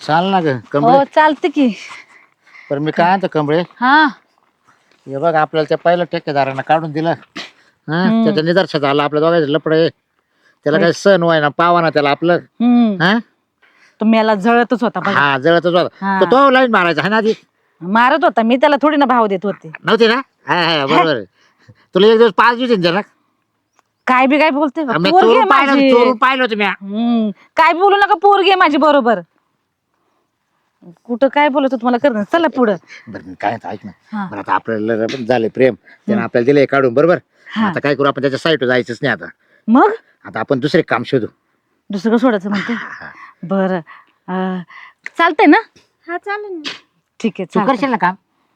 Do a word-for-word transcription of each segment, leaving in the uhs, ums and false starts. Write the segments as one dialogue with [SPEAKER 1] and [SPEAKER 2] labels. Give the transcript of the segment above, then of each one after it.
[SPEAKER 1] चाल ना ग
[SPEAKER 2] हो
[SPEAKER 1] कमळे.
[SPEAKER 2] चालते की.
[SPEAKER 1] पण मी काय म्हणतो कमळे,
[SPEAKER 2] हा
[SPEAKER 1] हे बघ आपल्याला त्या पहिल्या ठेकेदारांना काढून दिलं हा,
[SPEAKER 2] हम्म.
[SPEAKER 1] त्याच्या निदर्शनात आलं आपल्या दोघांचं लपड आहे. त्याला
[SPEAKER 2] होय.
[SPEAKER 1] काही सण व्हाय ना पावा ना त्याला आपलं
[SPEAKER 2] हम्म
[SPEAKER 1] हा
[SPEAKER 2] तुम्ही याला जळतच होता बघा.
[SPEAKER 1] हा जळतच होता.
[SPEAKER 2] हा.
[SPEAKER 1] तर तो लाईन मारायचा आहे ना आधी.
[SPEAKER 2] मारत होता मी त्याला थोडी ना भाव देत होते.
[SPEAKER 1] नव्हती ना हा हा बरोबर आहे. तुला एक दिवस पाच दिवस त्याला
[SPEAKER 2] काय बी काय बोलते का?
[SPEAKER 1] मी
[SPEAKER 2] पोरगी आहे
[SPEAKER 1] चोरून पाहिलं
[SPEAKER 2] माझी.
[SPEAKER 1] चोरून पाहिलं होतं मी.
[SPEAKER 2] हम्म काय बी बोलू नका, पोरगी आहे माझी बरोबर. कुठं काय बोलत होत मला कर. चला पुढं.
[SPEAKER 1] बरं मी काय म्हणतो, ऐक ना.
[SPEAKER 2] हा.
[SPEAKER 1] बरं आता आपल्याला पण झाले प्रेम त्यानं आपल्याला दिले काढून बरोबर.
[SPEAKER 2] हा.
[SPEAKER 1] आता काय करू आपण त्याच्या साईट जायचंच नाही आता.
[SPEAKER 2] मग
[SPEAKER 1] आता आपण दुसरे काम शोधू.
[SPEAKER 2] दुसरं सोडायचं म्हणते.
[SPEAKER 1] हा.
[SPEAKER 2] बर चालतंय ना.
[SPEAKER 3] हा चालेल ना.
[SPEAKER 2] ठीक आहे
[SPEAKER 1] तू
[SPEAKER 2] चालतंय.
[SPEAKER 1] करशील ना काम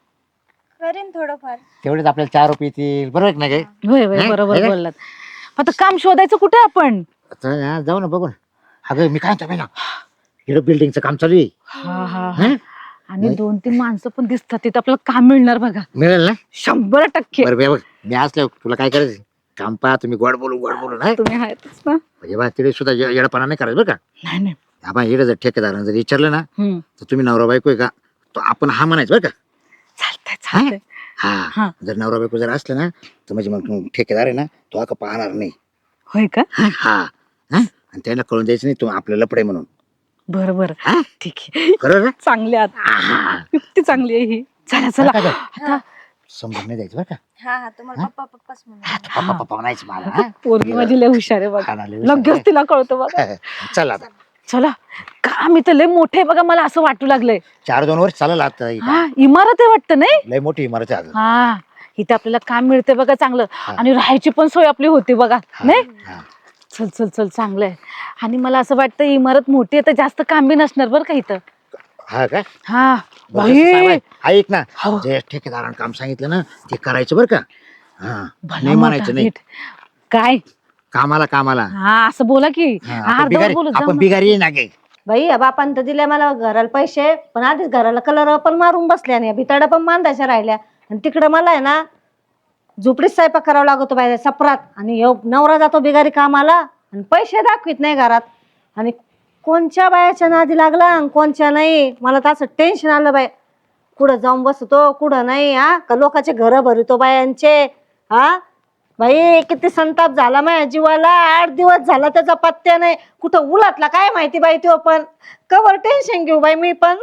[SPEAKER 3] करेन थोडंफार.
[SPEAKER 1] तेवढेच आपल्याला चार रुपये येतील बरोबर आहे ना काय.
[SPEAKER 2] होय होय
[SPEAKER 1] हे?
[SPEAKER 2] बरोबर
[SPEAKER 1] हे काय?
[SPEAKER 2] बोललात. आता काम शोधायचं कुठे आपण.
[SPEAKER 1] आता हा, जाऊ ना बघू ना. अगं मी काय म्हणतो ना, इकडं बिल्डिंगचं काम चालू आहे.
[SPEAKER 2] हा हा
[SPEAKER 1] हं?
[SPEAKER 2] आणि दोन तीन माणसं पण दिसतात तिथं आपल्याला काम मिळणार बघा.
[SPEAKER 1] मिळेल ना.
[SPEAKER 2] शंभर टक्के.
[SPEAKER 1] बरं बे बघ मी असलो तुला काय करायचं काम पहा तुम्ही गोड बोलू गोड बोलू नाही
[SPEAKER 2] तुम्ही आहेतच ना.
[SPEAKER 1] म्हणजे बा तिथे सुद्धा ये- येडपणा नाही करायचं बरं का.
[SPEAKER 2] नाही नाही.
[SPEAKER 1] आपण इकडे जर ठेकेदारानं जर विचारलं ना
[SPEAKER 2] हम्म
[SPEAKER 1] तर तुम्ही नवरा बायको आहे का, तो आपण हा म्हणायचं बरं का.
[SPEAKER 2] चालतंय चालतंय.
[SPEAKER 1] हा
[SPEAKER 2] हा.
[SPEAKER 1] जर नवरा बायको जर असलं ना तर म्हणजे मग तू ठेकेदार आहे ना तो आता पाहणार नाही.
[SPEAKER 2] होय का.
[SPEAKER 1] हा हा हा? आणि त्याला कळून द्यायचं नाही तू आपल्याला लपडे म्हणून.
[SPEAKER 2] बरं बरं
[SPEAKER 1] हा?
[SPEAKER 2] ठीक आहे.
[SPEAKER 1] बरोबर ना.
[SPEAKER 2] चांगली आता
[SPEAKER 1] आहा.
[SPEAKER 2] युक्ती चांगली आहे ही. चला चला
[SPEAKER 1] काय काय?
[SPEAKER 2] आता
[SPEAKER 1] समजून नाही द्यायचं बरं का.
[SPEAKER 3] हा हा तुम्हाला पप्पा पप्पाच म्हणून.
[SPEAKER 1] पप्पा पप्पा म्हणायचं मला हा?
[SPEAKER 2] पोरगी माझी लय हुशार आहे
[SPEAKER 1] हा
[SPEAKER 2] बघा.
[SPEAKER 1] ना, लय हुशार
[SPEAKER 2] लगेच
[SPEAKER 1] आहे.
[SPEAKER 2] तिला कळतं बघा.
[SPEAKER 1] चल आता
[SPEAKER 2] चला काम इथं लय मोठे आहे बघा, मला असं वाटू लागलंय.
[SPEAKER 1] चार दोन वर्ष चालेल आता ही
[SPEAKER 2] हा इमारत आहे वाटतं नाही.
[SPEAKER 1] लय मोठी इमारत आहे अगं.
[SPEAKER 2] हा इथं आपल्याला काम मिळते बघा चांगलं.
[SPEAKER 1] हा.
[SPEAKER 2] आणि राहायची पण सोय आपली होती बघा
[SPEAKER 1] हा,
[SPEAKER 2] नाही.
[SPEAKER 1] हा.
[SPEAKER 2] चल चल चल चांगलं आहे. आणि मला असं वाटतं इमारत मोठी आहे तर जास्त काम बी नसणार बरं का इथं.
[SPEAKER 1] हा का
[SPEAKER 2] हा
[SPEAKER 1] बरं, तसं सांग
[SPEAKER 2] बाई.
[SPEAKER 1] बाई. ऐक ना
[SPEAKER 2] हो.
[SPEAKER 1] जे ठेकेदारानं काम सांगितलं ना ते करायचं बरं का. हा
[SPEAKER 2] भला
[SPEAKER 1] नाही
[SPEAKER 2] मोठा
[SPEAKER 1] म्हणायचं नाही
[SPEAKER 2] नीट. काय
[SPEAKER 1] कामाला कामाला.
[SPEAKER 2] हा असं बोला की.
[SPEAKER 1] हा, आपण
[SPEAKER 2] अर्धवट
[SPEAKER 1] बिगारी
[SPEAKER 2] बोलत जाऊ
[SPEAKER 1] आपण
[SPEAKER 2] नका.
[SPEAKER 1] बिगारी आहे ना गे.
[SPEAKER 4] बाई या बापान तर दिले मला घराला पैसे, पण आधीच घराला कलर पण मारून बसल्या आणि भिताडा पण बांधायच्या राहिल्या. आणि तिकडं मला आहे ना झोपडीत स्वयंपाक करावा लागतो बाहेर सपरात. आणि ह्यो नवरा जातो बिगारी कामाला आणि पैसे दाखवित नाही घरात. आणि कोणच्या बायाच्या नादी लागला आणि कोणच्या नाही. मला तर असं टेन्शन आलं बाई. कुठं जाऊन बसतो कुठं नाही. हा का लोकांचे घर भरतो बायांचे. हा बाई किती संताप झाला माझ्या जीवाला. आठ दिवस झाला त्याचा पत्त्या नाही. कुठं उलातला काय माहिती बाई तो. पण कवर टेन्शन घेऊ बाई मी पण.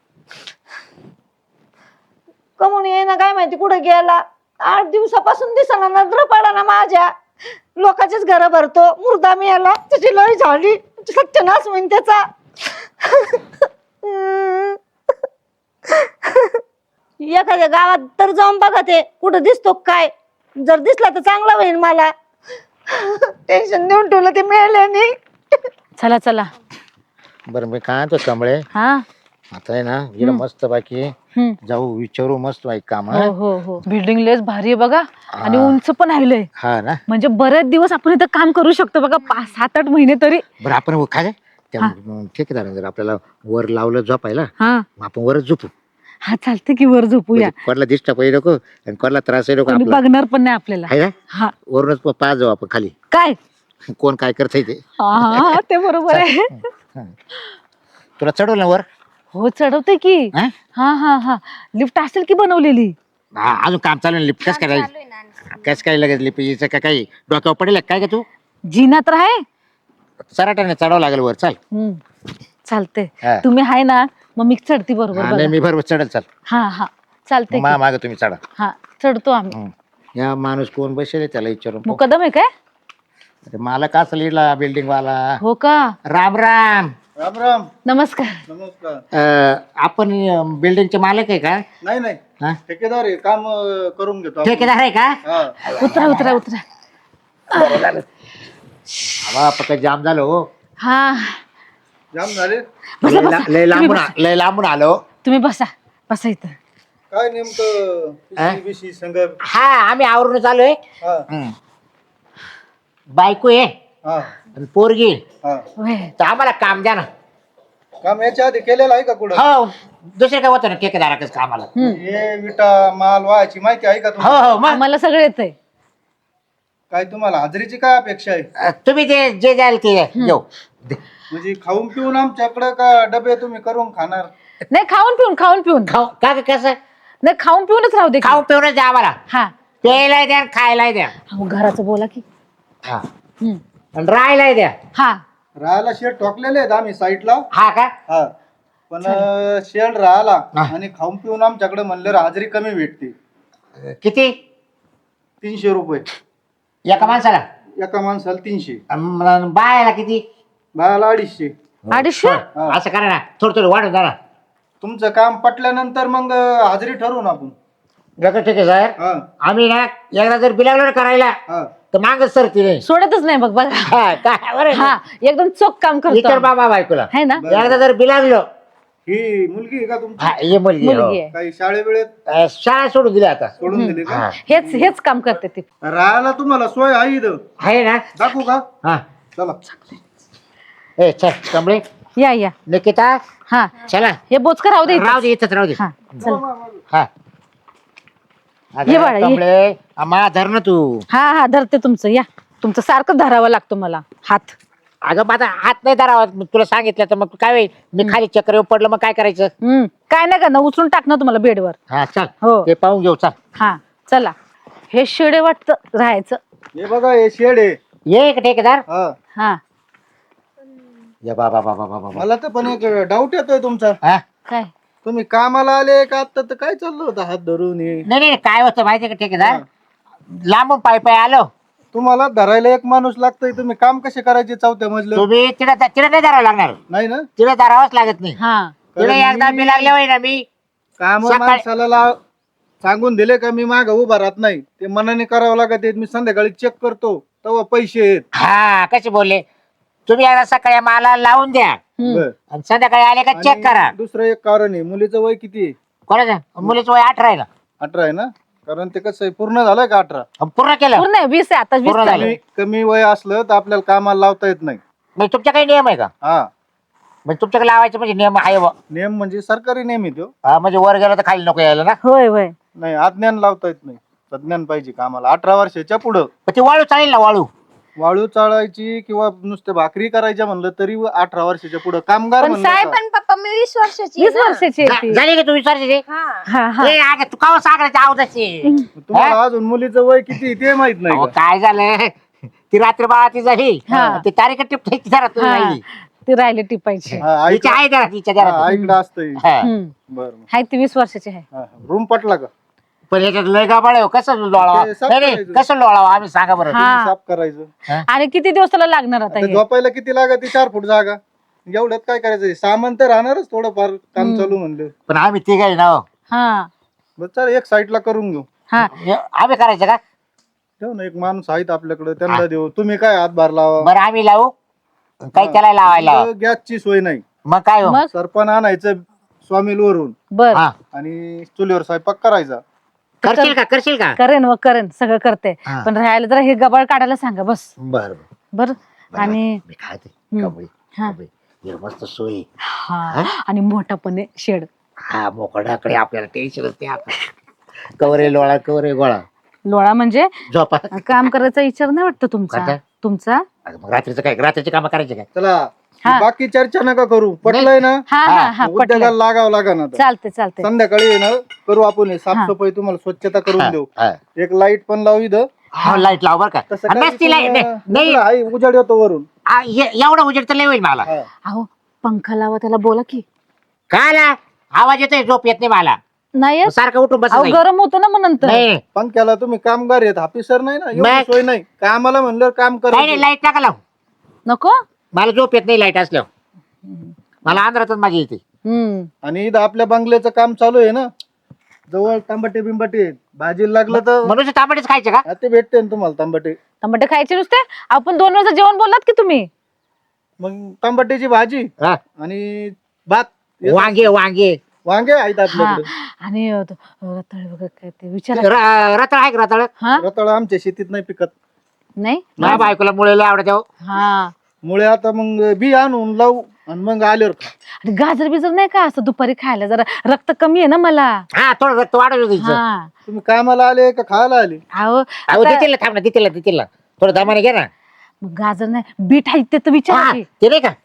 [SPEAKER 4] कमून ये ना काय माहिती कुठं गेला. आठ दिवसापासून दिसना नजर पडा ना माझ्या. लोकांचेच घर भरतो. मुर्दा मी याला त्याची लय झाली. सत्यनाश होईन त्याचा. एखाद्या गावात तर जाऊन बघा ते कुठं दिसतो काय. जर दिसला तर चांगला होईल मला. टेन्शन देऊन ठेवलं ते मिळाल्याने.
[SPEAKER 2] चला चला.
[SPEAKER 1] बरं मी काय तो कमळे
[SPEAKER 2] हा
[SPEAKER 1] आता आहे ना इकडं मस्त बाकी
[SPEAKER 2] हम्म.
[SPEAKER 1] जाऊ विचारू मस्त बाई काम
[SPEAKER 2] हो
[SPEAKER 1] हा?
[SPEAKER 2] हो हो बिल्डिंग लेस भारी आहे बघा. आणि
[SPEAKER 1] हा.
[SPEAKER 2] उंच पण आहे लय.
[SPEAKER 1] हा ना.
[SPEAKER 2] म्हणजे बरेच दिवस आपण इथं काम करू शकतो बघा. पाच सात आठ महिने तरी.
[SPEAKER 1] बरं आपण काय त्या ठेकेदारानं जर आपल्याला वर लावलं झोपायला
[SPEAKER 2] हा
[SPEAKER 1] मग आपण वरच झोपू.
[SPEAKER 2] हा चालते की वर झोपूया.
[SPEAKER 1] म्हणजे कोणाला डिस्टर्ब होई नको आणि कोणाला त्रास होई नको
[SPEAKER 2] कोणी
[SPEAKER 1] आपला
[SPEAKER 2] बघणार पण नाही आपल्याला.
[SPEAKER 1] आहे ना.
[SPEAKER 2] हा
[SPEAKER 1] वरूनच पाच जाऊ आपण खाली
[SPEAKER 2] काय.
[SPEAKER 1] कोण काय करतंय ते.
[SPEAKER 2] हा हा, हा ते बरोबर आहे.
[SPEAKER 1] तुला चढवलं ना वर.
[SPEAKER 2] हो चढवते की.
[SPEAKER 1] हा?
[SPEAKER 2] हा हा हा लिफ्ट असेल की बनवलेली.
[SPEAKER 1] हा, अजून काम चालू आहे लिफ्ट. कस काय
[SPEAKER 3] चालू आहे ना.
[SPEAKER 1] कस काय लगेच लिफ्ट यायचं का काही डोक्यावर पडेल काय का तू.
[SPEAKER 2] जिना तर आहे.
[SPEAKER 1] सराट्याने चढावं लागेल वर. चाल
[SPEAKER 2] हम्म. चालते
[SPEAKER 1] हा.
[SPEAKER 2] तुम्ही आहे ना मग मी चढती बरोबर
[SPEAKER 1] हा,
[SPEAKER 2] बघा.
[SPEAKER 1] नाही मी बरोबर चढल. चाल
[SPEAKER 2] हा हा चालते
[SPEAKER 1] मा माग तुम्ही चढा.
[SPEAKER 2] हा चढतो आम्ही.
[SPEAKER 1] हं. या माणूस कोण बसेल त्याला विचारून पाहू.
[SPEAKER 2] मुकदम आहे काय.
[SPEAKER 1] अरे मला का लिहिला बिल्डिंग वाला.
[SPEAKER 2] हो का.
[SPEAKER 1] राम राम.
[SPEAKER 5] राम राम.
[SPEAKER 2] नमस्कार.
[SPEAKER 5] नमस्कार.
[SPEAKER 1] अं, आपण बिल्डिंगचे मालक आहे का.
[SPEAKER 5] नाही नाही
[SPEAKER 1] हा?
[SPEAKER 5] ठेकेदार आहे. काम अं, करून घेतो आपण.
[SPEAKER 1] ठेकेदार आहे का.
[SPEAKER 5] हा.
[SPEAKER 2] उतरा उतरा उतरा.
[SPEAKER 1] हवा पक्का जाम झालो हो.
[SPEAKER 2] हा
[SPEAKER 5] जाम झाले.
[SPEAKER 2] बसा,
[SPEAKER 1] लय
[SPEAKER 2] बसा.
[SPEAKER 1] ला- लय लांबून आ- लय लांबून आलो.
[SPEAKER 2] तुम्ही बसा बसा इथं.
[SPEAKER 5] काय नेमकं
[SPEAKER 1] हा?
[SPEAKER 5] पिशी बिशी संग.
[SPEAKER 1] हा आम्ही आवरून आलोय.
[SPEAKER 5] हा
[SPEAKER 1] हं. बायको आहे
[SPEAKER 5] हा
[SPEAKER 1] आणि पोरगी
[SPEAKER 5] हा.
[SPEAKER 2] होय.
[SPEAKER 1] तर आम्हाला काम द्या ना.
[SPEAKER 5] काम याच्या आधी केलेलं आहे का कुठं.
[SPEAKER 1] हो दुसरे काय होतं ना ठेकेदाराकच कामाला.
[SPEAKER 5] हे विटा माल व्हायची माहिती आहे का
[SPEAKER 1] हो
[SPEAKER 5] तुम्हाला.
[SPEAKER 1] हो मग
[SPEAKER 2] आम्हाला सगळं येतंय.
[SPEAKER 5] काय तुम्हाला हाजरीची काय अपेक्षा आहे.
[SPEAKER 1] अं, तुम्ही जे जे द्याल ते घेऊ. दे.
[SPEAKER 5] म्हणजे खाऊन पिऊन आमच्याकडे का डबे तुम्ही करून खाणार?
[SPEAKER 2] नाही खाऊन पिऊन खाऊन पिऊन
[SPEAKER 1] खाऊ का ग, कसं
[SPEAKER 2] नाही खाऊन पिऊनच राहू दे की.
[SPEAKER 1] खाऊ पिऊनच द्या आम्हाला,
[SPEAKER 2] हा
[SPEAKER 1] प्यायला द्या खायला द्या.
[SPEAKER 2] अहो, घराचं बोला की.
[SPEAKER 1] हा
[SPEAKER 2] हम्म.
[SPEAKER 1] आणि राहायला द्या.
[SPEAKER 2] हा
[SPEAKER 5] राहायला शेड ठोकलेले आहेत आम्ही साईडला.
[SPEAKER 1] हा का
[SPEAKER 5] हा पण अं, शेड राहिला
[SPEAKER 1] हा.
[SPEAKER 5] आणि खाऊन पिऊन आमच्याकडे म्हणलं हाजरी कमी भेटते.
[SPEAKER 1] किती
[SPEAKER 5] तीनशे रुपये
[SPEAKER 1] एका माणसाला?
[SPEAKER 5] एका माणसाला तीनशे,
[SPEAKER 1] अन बायाला किती?
[SPEAKER 5] बायाला अडीचशे.
[SPEAKER 2] अडीचशे?
[SPEAKER 5] हा.
[SPEAKER 1] असं करा ना, थोडं थोडं वाढून द्या ना.
[SPEAKER 5] तुमचं काम पटल्यानंतर मग अं, हाजरी ठरवू ना आपण.
[SPEAKER 1] डॉक्टर ठीक आहे सर.
[SPEAKER 5] हा
[SPEAKER 1] आम्ही ना एकदा जर बिलागलो ना करायला
[SPEAKER 5] हा
[SPEAKER 1] तर मागच सर तिने.
[SPEAKER 2] सोडतच नाही बघ बघा.
[SPEAKER 1] हा काय बरं
[SPEAKER 2] हा एकदम चोख काम
[SPEAKER 1] विचार
[SPEAKER 2] करतो
[SPEAKER 1] बाबा बायकोला.
[SPEAKER 2] है ना.
[SPEAKER 1] एकदा जर बिलागलो.
[SPEAKER 5] ही मुलगी आहे का तुमची?
[SPEAKER 1] हा ये मुलगी हो.
[SPEAKER 2] मुलगी आहे.
[SPEAKER 5] काही शाळेवेळेत
[SPEAKER 1] अं, शाळा सोडून दिली आता.
[SPEAKER 5] सोडून दिली का?
[SPEAKER 1] हा.
[SPEAKER 2] हेच हेच काम करते ती.
[SPEAKER 5] राहायला तुम्हाला सोय आहे इथं,
[SPEAKER 1] आहे ना.
[SPEAKER 5] दाखवू का?
[SPEAKER 1] हा
[SPEAKER 5] चला.
[SPEAKER 1] ए चल कमळे
[SPEAKER 2] या या
[SPEAKER 1] निकिता
[SPEAKER 2] हा
[SPEAKER 1] चला.
[SPEAKER 2] हे बोचकर राहू दे इथं.
[SPEAKER 1] राहू दे इथंच राहू दे.
[SPEAKER 2] हा चल
[SPEAKER 1] हा
[SPEAKER 2] ये बाळा, ये.
[SPEAKER 1] कमळे मा धर ना तू.
[SPEAKER 2] हा हा धरते तुमचं. या तुमचं सारखं धरावं लागतं मला हात.
[SPEAKER 1] अगं माझा हात नाही धरावा. मी तुला सांगितलं तर मग काय होईल, मी खाली चक्कर येऊन पडलं मग काय करायचं?
[SPEAKER 2] हम्म काय नाही करणार, उचलून टाकणार तुम्हाला बेडवर.
[SPEAKER 1] हा चल
[SPEAKER 2] हो
[SPEAKER 1] ते पाहून घेऊ चल.
[SPEAKER 2] हा चला. हे शेडे वाटतं राहायचं.
[SPEAKER 5] हे बघा हे शेड आहे.
[SPEAKER 1] ये एक ठेकेदार.
[SPEAKER 5] हा
[SPEAKER 2] हा
[SPEAKER 1] या बाबा बाबा बाबा बाबा.
[SPEAKER 5] मला तर पण एक डाऊट येतोय तुमचा.
[SPEAKER 1] हा
[SPEAKER 2] काय
[SPEAKER 5] तुम्ही कामाला आले का आता तर काय चाललं होतं हात धरून हे?
[SPEAKER 1] नाही नाही काय होतं माहितीये का ठेकेदार, लांबून पाय पाय आलो.
[SPEAKER 5] तुम्हाला धरायला एक माणूस लागतोय, तुम्ही काम कसे करायचे चौथ्या मजलं?
[SPEAKER 1] तुम्ही तिला तिला नाही धरावं लागणार.
[SPEAKER 5] नाही ना,
[SPEAKER 1] तिला धरावंच लागत नाही.
[SPEAKER 2] हा
[SPEAKER 1] तिला एकदा मी लागले होय ना मी
[SPEAKER 5] काम
[SPEAKER 1] सकाळी-
[SPEAKER 5] माणसाला लाव- सांगून दिले का मी माग उभा राहत नाही, ते मनाने करावं लागत. मी संध्याकाळी चेक करतो तेव्हा पैसे आहेत.
[SPEAKER 1] हा कसे बोलले तुम्ही, एकदा सकाळी मला लावून द्या
[SPEAKER 2] हम्म.
[SPEAKER 5] बरं.
[SPEAKER 1] आणि संध्याकाळी आले का चेक
[SPEAKER 5] आणि
[SPEAKER 1] करा.
[SPEAKER 5] दुसरं एक कारण आहे, मुलीचं वय किती आहे?
[SPEAKER 1] कोणाचं? मुलीचं वय अठरा आहे ना.
[SPEAKER 5] अठरा आहे ना, कारण ते कसं आहे, पूर्ण झालंय का अठरा?
[SPEAKER 1] अन पूर्ण केलं.
[SPEAKER 2] पूर्ण आहे, वीस आहे आता. वीस
[SPEAKER 1] पूर्ण
[SPEAKER 2] झाले.
[SPEAKER 1] झालं.
[SPEAKER 5] कमी कमी वय असलं तर आपल्याला कामाला लावता येत नाही.
[SPEAKER 1] म्हणजे तुमच्या काही नियम आहे का?
[SPEAKER 5] हा
[SPEAKER 1] म्हणजे तुमच्याकडे लावायचे म्हणजे नियम आहे बुवा.
[SPEAKER 5] नियम म्हणजे सरकारी नियम आहे तो.
[SPEAKER 1] हा, म्हणजे वर गेलं तर खाली नको यायला ना.
[SPEAKER 2] होय होय.
[SPEAKER 5] नाही अज्ञान लावता येत नाही, तज्ञान पाहिजे कामाला. अठरा वर्षाच्या पुढं
[SPEAKER 1] पण ती वाळू चालेल ना वाळू?
[SPEAKER 5] वाळू चाळायची किंवा नुसते भाकरी करायच्या म्हणलं तरी अठरा वर्षाच्या पुढे कामगार
[SPEAKER 3] पण
[SPEAKER 5] म्हणलं
[SPEAKER 3] साहेब
[SPEAKER 5] का?
[SPEAKER 3] पण पप्पा मी वीस वर्षाची आहे
[SPEAKER 2] वीस
[SPEAKER 3] ना.
[SPEAKER 2] वर्षाची आहे
[SPEAKER 1] झा-
[SPEAKER 2] ती.
[SPEAKER 1] झाली का तू विचारते?
[SPEAKER 3] हा
[SPEAKER 2] हा हा
[SPEAKER 1] ए, अगं, तू काव सागराची आवदाची.
[SPEAKER 5] तुम्हाला अजून मुलीचं वय किती आहे ते माहित नाही
[SPEAKER 1] अहो,
[SPEAKER 5] का?
[SPEAKER 1] काय झालं ती रात्री बाळा ती झाली
[SPEAKER 2] हा.
[SPEAKER 1] ती तारीख टिपटायची जरा तू
[SPEAKER 2] हा.
[SPEAKER 1] राहिली.
[SPEAKER 2] ती राहिले टिपायची.
[SPEAKER 5] हा,
[SPEAKER 1] तिच्या
[SPEAKER 5] ऐकलं-
[SPEAKER 1] आहे जरा तिच्या
[SPEAKER 5] हा,
[SPEAKER 1] जरा.
[SPEAKER 5] ऐकलं असतंय.
[SPEAKER 1] हा.
[SPEAKER 2] हम्म.
[SPEAKER 5] बरं
[SPEAKER 2] हाय ती वीस वर्षाची आहे.
[SPEAKER 5] रूम पटला का?
[SPEAKER 1] पण याच्यात लय गाबाळ आहे हो. कसं लोळावा?
[SPEAKER 5] ते साफ
[SPEAKER 1] नाही नाही,
[SPEAKER 5] करायचं.
[SPEAKER 1] कसं लोळावा आम्ही सांगा बरं.
[SPEAKER 2] हा.
[SPEAKER 5] साफ करायचं.
[SPEAKER 2] आणि किती दिवस त्याला लागणार आता
[SPEAKER 5] आता
[SPEAKER 2] हे?
[SPEAKER 5] झोपायला किती लागत? चार फूट जागा, एवढ्यात काय करायचं? सामान तर राहणारच थोडंफार काम चालू म्हणलं.
[SPEAKER 1] पण आम्ही तिघ आहे ना हो.
[SPEAKER 2] हा
[SPEAKER 5] बरं चल एक साईडला करून घेऊ.
[SPEAKER 2] हा
[SPEAKER 1] हे आम्ही करायचं का?
[SPEAKER 5] ठेव ना, एक माणूस आहेत आपल्याकडे, त्यांना देऊ. तुम्ही काय हातभार लावा.
[SPEAKER 1] बरं आम्ही लावू काही त्याला लावायला.
[SPEAKER 5] इथं गॅसची सोय नाही.
[SPEAKER 1] मग काय हो?
[SPEAKER 2] मग
[SPEAKER 5] सरपण आणायचं स्वामीलवरून
[SPEAKER 2] बर
[SPEAKER 1] हा
[SPEAKER 5] आणि चुलीवर स्वयंपाक करायचा.
[SPEAKER 1] करशील का करशील का?
[SPEAKER 2] करेन व करेन सगळं करते.
[SPEAKER 1] हा.
[SPEAKER 2] पण राहायला जरा हे गबाळ काढायला सांगा बस.
[SPEAKER 1] बरं
[SPEAKER 2] बर आणि
[SPEAKER 1] मी खाते
[SPEAKER 2] हम्म.
[SPEAKER 1] कबळी
[SPEAKER 2] हा.
[SPEAKER 1] कबळी. हे मस्त सोय.
[SPEAKER 2] हा आणि मोठा पण आहे शेड.
[SPEAKER 1] हा मोकळ्याकडे आपल्याला टेन्शन असते आता. कवरे लोळा कवरे गोळा
[SPEAKER 2] लोळा म्हणजे
[SPEAKER 1] झोपा.
[SPEAKER 2] काम करायचा विचार नाही वाटत तुमचा
[SPEAKER 1] कोणता?
[SPEAKER 2] तुमचा
[SPEAKER 1] अगं मग रात्रीचं काय रात्रीची कामं करायची काय?
[SPEAKER 5] चला
[SPEAKER 2] हा.
[SPEAKER 5] बाकी चर्चा नका करू. पटलंय ना?
[SPEAKER 2] हा हा हा पटलं.
[SPEAKER 5] उद्योगाला लागावं लागा ना आता.
[SPEAKER 2] चालते चालते.
[SPEAKER 5] संध्याकाळी आहे ना करू आपण हे साफसफाई, तुम्हाला स्वच्छता करून देऊ.
[SPEAKER 1] हा.
[SPEAKER 5] एक लाईट पण लावू इथं.
[SPEAKER 1] हा लाईट लाव बरं का.
[SPEAKER 5] तसं
[SPEAKER 1] आणि
[SPEAKER 5] काही
[SPEAKER 1] नसती लाईट
[SPEAKER 5] तुम्हाला-
[SPEAKER 1] नाही
[SPEAKER 5] उजेड आहे, उजेड येतो वरून.
[SPEAKER 1] आ, ए- एवढा उजेड तर लय होईल मला.
[SPEAKER 5] हा.
[SPEAKER 2] अहो पंखा लावा त्याला बोला की.
[SPEAKER 1] काय आला? आवाज येतोय झोप येत नाही मला.
[SPEAKER 2] नाही येत?
[SPEAKER 1] सारखं उठून बस
[SPEAKER 2] अहो गरम होतं ना मग नंतर.
[SPEAKER 1] नाही
[SPEAKER 5] पंख्याला तुम्ही कामगार आहेत, ऑफिसर नाही ना, एवढी
[SPEAKER 1] मग-
[SPEAKER 5] सोय नाही. कामाला म्हणलं काम
[SPEAKER 1] काही नाही
[SPEAKER 5] करायचं.
[SPEAKER 1] लाईट टाका लाव.
[SPEAKER 2] नको.
[SPEAKER 1] मला झोप येत नाही लाईट असल्यावर. मला आंध्रातच माझी येते.
[SPEAKER 2] हम्म
[SPEAKER 5] आणि इथं आपल्या बंगल्याचं काम चालू आहे ना, जवळ तांबटे बिंबटे आहेत. भाजीला लागलं तर
[SPEAKER 1] म्हणून तांबडीच खायचे का?
[SPEAKER 5] हा, ते भेटते ना तुम्हाला तांबटे.
[SPEAKER 2] टमाटे खायचे नुसते. आपण दोन वेळचं जेवण बोललात की तुम्ही.
[SPEAKER 5] मग तांबट्याची भाजी
[SPEAKER 1] हा.
[SPEAKER 5] आणि भात.
[SPEAKER 1] वांगे वांगे
[SPEAKER 5] वांगे आहेत
[SPEAKER 2] हा
[SPEAKER 5] आपल्याकडे.
[SPEAKER 2] आणि अ, तो, अ, रताळे वगैरे काय ते विचारा.
[SPEAKER 1] र- रताळ आहे का रताळ?
[SPEAKER 2] हा
[SPEAKER 5] रताळ आमच्या शेतीत नाही पिकत.
[SPEAKER 2] नाही
[SPEAKER 1] माझ्या बायकोला मुळे लय आवडत.
[SPEAKER 2] हा
[SPEAKER 5] मुळे आता मग बी आणून लावू आणि मग आल्यावर खा.
[SPEAKER 2] आणि गाजर बिजर नाही का असं दुपारी खायला जरा रक्त कमी आहे ना मला.
[SPEAKER 1] हा थोडं रक्त वाढत होतं तिचं.
[SPEAKER 2] हा
[SPEAKER 5] तुम्ही कामाला आले का खायला आले?
[SPEAKER 2] अहो
[SPEAKER 1] अहो
[SPEAKER 2] आता-
[SPEAKER 1] देतील ना, थांब ना देतील ना देतील ना. थोडं दमाने घे ना.
[SPEAKER 2] मग गाजर नाही बीट आहे ते तर विचारा
[SPEAKER 1] हा,
[SPEAKER 2] की.
[SPEAKER 1] ते नाही का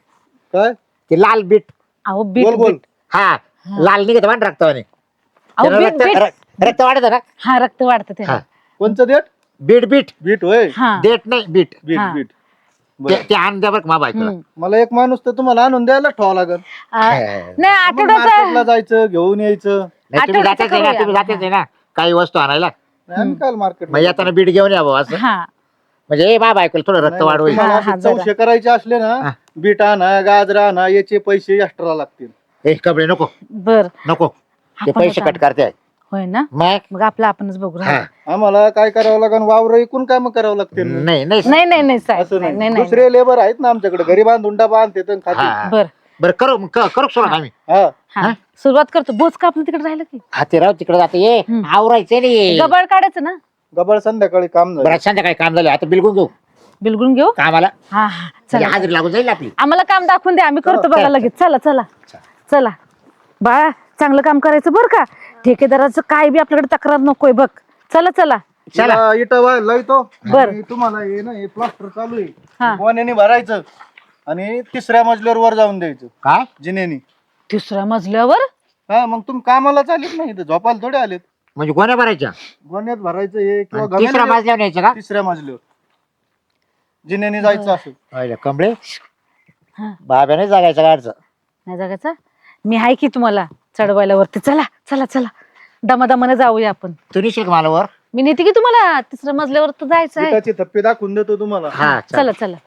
[SPEAKER 5] काय
[SPEAKER 1] ते लाल बीट.
[SPEAKER 2] अहो
[SPEAKER 5] बोल
[SPEAKER 2] बीट
[SPEAKER 5] बोल
[SPEAKER 2] बीट
[SPEAKER 1] हा लाल निघत वाट रक्तावाने.
[SPEAKER 2] अहो
[SPEAKER 1] त्याला
[SPEAKER 2] बीट
[SPEAKER 1] रक्त
[SPEAKER 2] बीट
[SPEAKER 1] र- रक्त वाढत ना.
[SPEAKER 2] हा रक्त वाढतं
[SPEAKER 1] हा
[SPEAKER 2] त्याला
[SPEAKER 5] कोणचं देठ
[SPEAKER 1] बीट बीट
[SPEAKER 5] बीट होय
[SPEAKER 2] हा
[SPEAKER 1] देट नाही बीट.
[SPEAKER 5] बीट
[SPEAKER 2] हा.
[SPEAKER 5] बीट
[SPEAKER 1] ते
[SPEAKER 5] बरं.
[SPEAKER 1] ते आण द्या बरं का मा बायकोला.
[SPEAKER 2] हम्म.
[SPEAKER 5] मला एक माणूस तर तुम्हाला आणून द्यायला ठेवा लागल.
[SPEAKER 2] आ, नाही
[SPEAKER 5] मार्केटला
[SPEAKER 2] आठवड्याचा
[SPEAKER 5] जायचं घेऊन यायचं.
[SPEAKER 1] नाही तुम्ही
[SPEAKER 2] आठवड्याचं
[SPEAKER 1] जातेच आहे ना
[SPEAKER 2] करूया.
[SPEAKER 1] तुम्ही जातेच आहे ना काही वस्तू आणायला.
[SPEAKER 5] नाही, आम्ही काल मार्केट
[SPEAKER 1] मग येताना बीट घेऊन या भाऊ असं.
[SPEAKER 2] हा
[SPEAKER 1] म्हणजे ए मा बायकोला थोडं रक्त वाढवू.
[SPEAKER 2] हा, हा, जरा.
[SPEAKER 5] चौशे करायचे असले ना
[SPEAKER 1] हा.
[SPEAKER 5] बीट आणा गाजर आणा याचे पैसे एक्स्ट्रा लागतील.
[SPEAKER 1] ए कपडे नको
[SPEAKER 2] बर
[SPEAKER 1] नको ते
[SPEAKER 2] आपण
[SPEAKER 1] पैसे
[SPEAKER 2] आता-
[SPEAKER 1] कट करते.
[SPEAKER 2] होय ना
[SPEAKER 1] मग
[SPEAKER 2] मग आपलं आपणच बघू
[SPEAKER 1] हा.
[SPEAKER 2] राहिलो.
[SPEAKER 5] आम्हाला काय करावं लागेल वावर ऐकून काय मग करावं लागतील
[SPEAKER 1] नाही नाही
[SPEAKER 2] नाही नाही नाही साहेब
[SPEAKER 5] असं
[SPEAKER 2] नाही
[SPEAKER 5] नाही
[SPEAKER 2] नाही
[SPEAKER 5] दुसरे लेबर आहेत ना आमच्याकडे घरी बांधून डबा आणते तर खाते.
[SPEAKER 1] हा.
[SPEAKER 2] बर
[SPEAKER 1] बरं करू मग क- करू सोडा आम्ही.
[SPEAKER 5] हा
[SPEAKER 2] हा सुरुवात करतो बोच का आपलं तिकडे राहिलं की
[SPEAKER 1] हाती राव तिकडे जाते ये
[SPEAKER 2] हम्म.
[SPEAKER 1] आवरायचं नाही.
[SPEAKER 2] गबळ काढायचं ना
[SPEAKER 5] गबळ संध्याकाळी काम झालं.
[SPEAKER 1] बरं संध्याकाळी काम झालं आता बिलकुल घेऊ
[SPEAKER 2] बिलगुन घेऊ
[SPEAKER 1] कामाला
[SPEAKER 2] हा हा
[SPEAKER 1] म्हणजे
[SPEAKER 2] चला
[SPEAKER 1] हाजरी लागून जाईल आपली.
[SPEAKER 2] आम्हाला काम दाखवून द्या आम्ही करतो
[SPEAKER 1] हो,
[SPEAKER 2] बघा
[SPEAKER 1] चल,
[SPEAKER 2] लगेच चला चला चला बाळा चांगलं काम करायचं बरं का ठेकेदाराचं काय बी आपल्याकडे तक्रार नकोय बघ चला चला
[SPEAKER 1] चला.
[SPEAKER 5] तिला इटा वा- लावतो
[SPEAKER 2] बर.
[SPEAKER 5] आणि तुम्हाला हे ना हे प्लास्टर चालू
[SPEAKER 2] हा.
[SPEAKER 5] आहे गोण्याने भरायचं आणि तिसऱ्या मजल्यावर वर जाऊन द्यायचं
[SPEAKER 1] काय
[SPEAKER 5] जिन्यानी.
[SPEAKER 2] तिसऱ्या मजल्यावर
[SPEAKER 5] हा मग तुम्ही कामाला चालेत नाही इथं झोपायला थोडे आलेत.
[SPEAKER 1] म्हणजे गोण्या भरायच्या
[SPEAKER 5] गोण्यात भरायचं हे किंवा
[SPEAKER 1] आणि तिसऱ्या
[SPEAKER 5] गमेला
[SPEAKER 1] मजल्यावर न्यायचं का
[SPEAKER 5] तिसऱ्या मजल्यावर जिन्याने जायचं असं.
[SPEAKER 1] अरे कमळे
[SPEAKER 2] हा.
[SPEAKER 1] बाब्याने जागायचं गाडचं.
[SPEAKER 2] नाही जगायचा मी आहे की तुम्हाला चढवायला वरती चला चला चला दमादमाने जाऊया आपण
[SPEAKER 1] तू निशील का मला वर.
[SPEAKER 2] मी नेते की तुम्हाला तिसऱ्या मजल्यावर तर जायचं आहे
[SPEAKER 5] इटाचे थप्पे दाखवून देतो तुम्हाला.
[SPEAKER 1] हा चल.
[SPEAKER 2] चला चला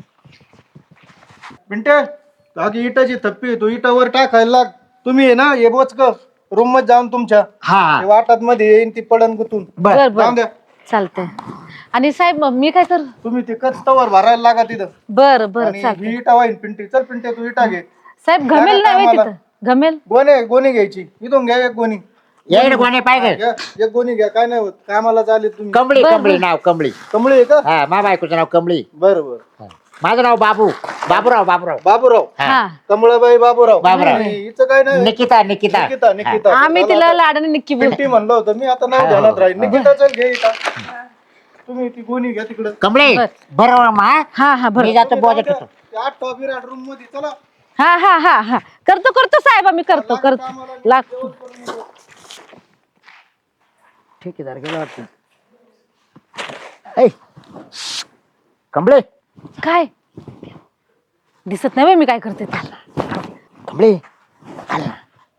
[SPEAKER 5] पिंटे बाकी इटाची थप्पी तो इटावर टाकायला लाग. तुम्ही आहे ना हे बोचक रूम मध्ये जाऊन तुमच्या
[SPEAKER 1] हा
[SPEAKER 5] ते वाटात मध्ये येईन ती पडन गुतून.
[SPEAKER 1] बर
[SPEAKER 2] बर
[SPEAKER 5] जाऊन
[SPEAKER 2] बर
[SPEAKER 5] द्या.
[SPEAKER 2] चालतंय आणि साहेब मग मी काय कर
[SPEAKER 5] तुम्ही ते कचतावर भरायला लागा तिथं.
[SPEAKER 2] बर बर
[SPEAKER 5] आणि
[SPEAKER 2] चालतंय
[SPEAKER 5] ही इटा वाईन पिंटी चल पिंटे तू इटा घे.
[SPEAKER 2] साहेब घमेल
[SPEAKER 5] काय
[SPEAKER 2] नाही
[SPEAKER 5] कामाला?
[SPEAKER 2] तिथं घमेल
[SPEAKER 5] गोणे गोणी घ्यायची इथून घ्या एक गोणी.
[SPEAKER 1] येईल गोण्या पाहिजे.
[SPEAKER 5] घ्या, एक गोणी घ्या काय नाही होत कामाला चालेल तुम्ही.
[SPEAKER 1] कमळी
[SPEAKER 2] बर,
[SPEAKER 1] कमळी
[SPEAKER 2] बर.
[SPEAKER 1] नाव कमळी.
[SPEAKER 5] कमळे आहे का
[SPEAKER 1] हा मा बायकोचं नाव कमळी.
[SPEAKER 5] बरं बरं.
[SPEAKER 1] हा. माझं नाव बाबू बाबूराव बाबूराव.
[SPEAKER 5] बाबूराव
[SPEAKER 1] हा.
[SPEAKER 2] हा
[SPEAKER 5] कमळाबाई बाबूराव.
[SPEAKER 1] बाबूराव.
[SPEAKER 5] आणि हिचं काय नाही
[SPEAKER 1] निकिता निकिता
[SPEAKER 5] निकिता निकिता.
[SPEAKER 2] आम्ही तिला लाडाने निक्की बोल
[SPEAKER 5] पिंटी म्हणलं होतं मी आता नाही ध्यानात राहील. निकिता चल घे इटा. तुम्ही ती गोणी घ्या तिकडं.
[SPEAKER 1] कमळे
[SPEAKER 2] बर.
[SPEAKER 1] बरोबर मा
[SPEAKER 2] हा हा बर
[SPEAKER 1] मी जातो बॉजेट होतो.
[SPEAKER 5] ते आठ टॉप विराट रूम मध्ये चला.
[SPEAKER 2] हा हा हा हा करतो करतो साहेब आम्ही करतो करतो लागतो
[SPEAKER 1] ठेकेदार गेला वाटतं. ऐ, कमळे
[SPEAKER 2] काय दिसत नाही बाई मी काय करते ते
[SPEAKER 1] कमळे चल ना.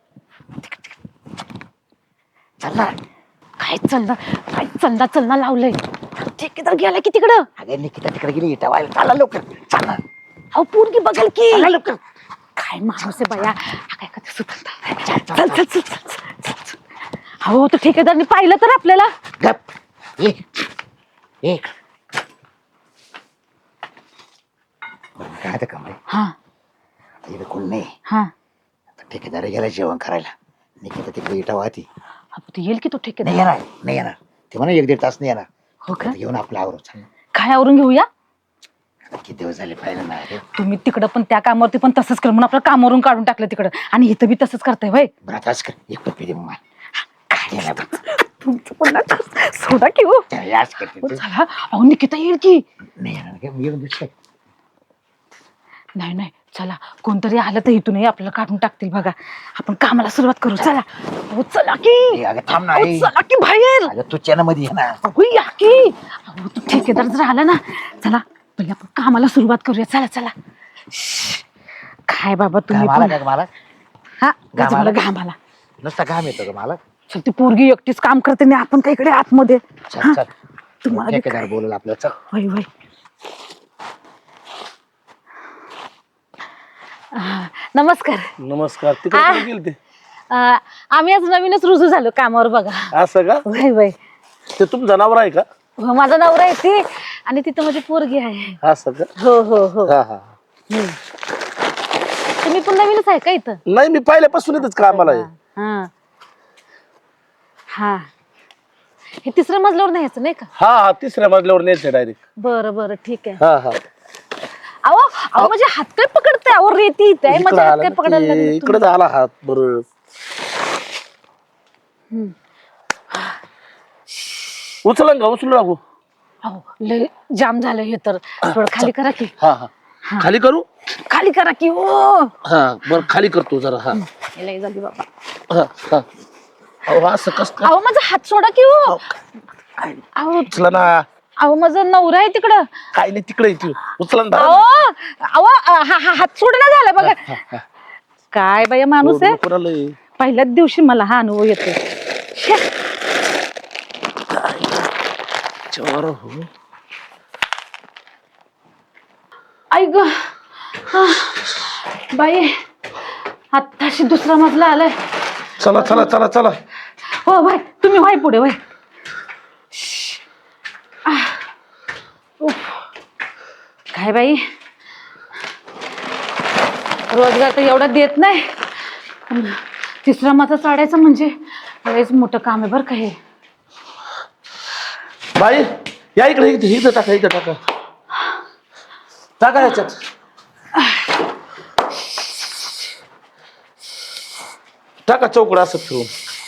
[SPEAKER 1] चल ना.
[SPEAKER 2] काय चलना काय चलना चलना लावलंय ठेकेदार गेला की तिकडं
[SPEAKER 1] अगं निकिता तिकडे गेली इटा व्हायला. चला लवकर चल ना.
[SPEAKER 2] अहो पोरगी बघल की
[SPEAKER 1] चला लवकर.
[SPEAKER 2] काय माणूस आहे बाया हा काय कधी सुचलता चल चल चल चल चल, चल. अहो तो ठेकेदारनी पाहिलं तर आपल्याला
[SPEAKER 1] गप एक एक काय आता कमळे
[SPEAKER 2] हा
[SPEAKER 1] इकडे कोण नाही.
[SPEAKER 2] हा
[SPEAKER 1] आता ठेकेदार गेला जेवण करायला. निकिता तिकडे इटा वाहती.
[SPEAKER 2] अहो, तो येईल की तो
[SPEAKER 1] नाही
[SPEAKER 2] ठेकेदार
[SPEAKER 1] येणार नाही येणार ते म्हणा एक दीड तास नाही येणार.
[SPEAKER 2] हो का
[SPEAKER 1] घेऊन आपलं आवरू चल.
[SPEAKER 2] काय आवरून घेऊया
[SPEAKER 1] आता किती दिवस झाले पाहिलं ना रे.
[SPEAKER 2] तुम्ही तिकडं पण त्या कामावरती पण तसंच कर म्हणून आपलं कामावरून काढून टाकलं तिकडं आणि इथं बी तसंच करताय वय
[SPEAKER 1] बरं आता असं कर एक पप्पी दे मग मला. काय देणार बरं.
[SPEAKER 2] तुमचं पण ना सोडा की हो
[SPEAKER 1] चल, याच करते
[SPEAKER 2] हो,
[SPEAKER 1] तू.
[SPEAKER 2] चला अहो निकिता येईल की
[SPEAKER 1] नाही येणार काय मी येऊन दुसरं.
[SPEAKER 2] नाही नाही चला कोणतरी आलं तर इथूनही आपल्याला काढून टाकतील बघा आपण कामाला सुरुवात करू चला अहो चला की
[SPEAKER 1] ए, अगं थांब ना
[SPEAKER 2] अहो,
[SPEAKER 1] ए.
[SPEAKER 2] चला की बाहेर
[SPEAKER 1] अगं तू चॅनल मध्ये ये ना.
[SPEAKER 2] अहो या की अहो तू ठेकेदार जर आला ना चला पहिले आपण कामाला सुरुवात करूया चला चला श्श्श. काय बाबा तुम्ही
[SPEAKER 1] घाम आला
[SPEAKER 2] पण
[SPEAKER 1] का मला
[SPEAKER 2] हा
[SPEAKER 1] घाम
[SPEAKER 2] मला
[SPEAKER 1] आला?
[SPEAKER 2] घाम आला
[SPEAKER 1] नुसता घाम येतो का मला.
[SPEAKER 2] चल ती पोरगी एकटीच काम करते नाही आपण काय इकडे आतमध्ये
[SPEAKER 1] चल
[SPEAKER 2] हा?
[SPEAKER 1] चल
[SPEAKER 2] तुम्हाला बी
[SPEAKER 1] ठेकेदार बोलल आपलं चल.
[SPEAKER 2] वय वय हा, नमस्कार
[SPEAKER 6] नमस्कार तिकडे
[SPEAKER 2] आ.
[SPEAKER 6] कुठे गेले ते
[SPEAKER 2] अं, आम्ही आज नवीनच रुजू झालो कामावर बघा
[SPEAKER 6] असं का
[SPEAKER 2] वय वय
[SPEAKER 6] ते तुमचं नाव आहे का
[SPEAKER 2] हो, माझा नवरा आहे ती आणि तिथं माझी पोरगी आहे
[SPEAKER 6] असं का
[SPEAKER 2] हो हो हो
[SPEAKER 6] हा हा
[SPEAKER 2] हम्म. तुम्ही पण नवीनच आहे का इथं
[SPEAKER 6] नाही मी पहिल्यापासून येतच कामाला आहे
[SPEAKER 2] हा हा हे तिसऱ्या मजल्यावर नाही यायचं नाही का
[SPEAKER 6] हा हा तिसऱ्या मजल्यावर न्यायचं डायरेक्ट
[SPEAKER 2] बरं बरं ठीक आहे
[SPEAKER 6] हा हा
[SPEAKER 2] अहो अहो माझे हात काय पकडते अहो रेती इथे आहे, माझे हात काय पकडायला लागले
[SPEAKER 6] इकडे झाला हात बरोबर उचला का उचलू लागू
[SPEAKER 2] अहो लय जाम झालं हे तर थोडं खाली करा की
[SPEAKER 6] हा हा खाली करू
[SPEAKER 2] खाली करा की हो.
[SPEAKER 6] हा बरं खाली करतो जरा हा
[SPEAKER 2] लय झाली बाबा.
[SPEAKER 6] हा हा अहो असं कस काय
[SPEAKER 2] अहो माझा हात सोडा की हो. अहो
[SPEAKER 6] उचला ना
[SPEAKER 2] अहो माझा नवरा आहे तिकडं.
[SPEAKER 6] काय नाही तिकडे येते उचला ना
[SPEAKER 2] अहो
[SPEAKER 6] धरा
[SPEAKER 2] अहो हा हा हात सोडणं झाला बघा. काय बाया माणूस आहे.
[SPEAKER 6] कोणाला
[SPEAKER 2] पहिल्याच दिवशी मला हा अनुभव येतो.
[SPEAKER 6] चोर हो
[SPEAKER 2] आई ग बाई आत्ताशी दुसरा मजला आलाय.
[SPEAKER 6] चला चला चला चला
[SPEAKER 2] हो भाई तुम्ही व्हाय पुढे व्हाय. काय बाई रोजगार तर एवढा देत नाही. पण तिसरा मजा चढायचं म्हणजे लयच मोठं काम आहे बरं का हे.
[SPEAKER 6] बाई या इकडे इथे इथं टाका इथं टाका टाका याच्यात टाका चौकड असं फिरून.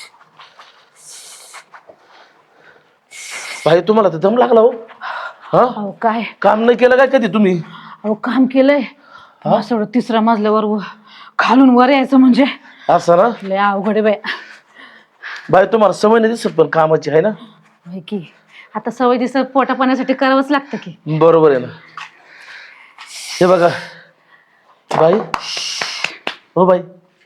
[SPEAKER 6] भाई तुम्हाला तर दम लागला हो हा
[SPEAKER 2] अहो काय
[SPEAKER 6] काम नाही केलं काय कधी तुम्ही
[SPEAKER 2] अहो काम केलंय. असं एवढं तिसऱ्या मजल्यावर व- खालून वर यायचं म्हणजे
[SPEAKER 6] असं ना
[SPEAKER 2] लय अवघड आहे बाई.
[SPEAKER 6] बाई तुम्हाला सवय नाही दिसत पण कामाची आहे ना
[SPEAKER 2] होय की आता सवय दिसत पोटा पाण्यासाठी करावंच लागतं की.
[SPEAKER 6] बरोबर आहे ना. हे बघा बाई हो बाई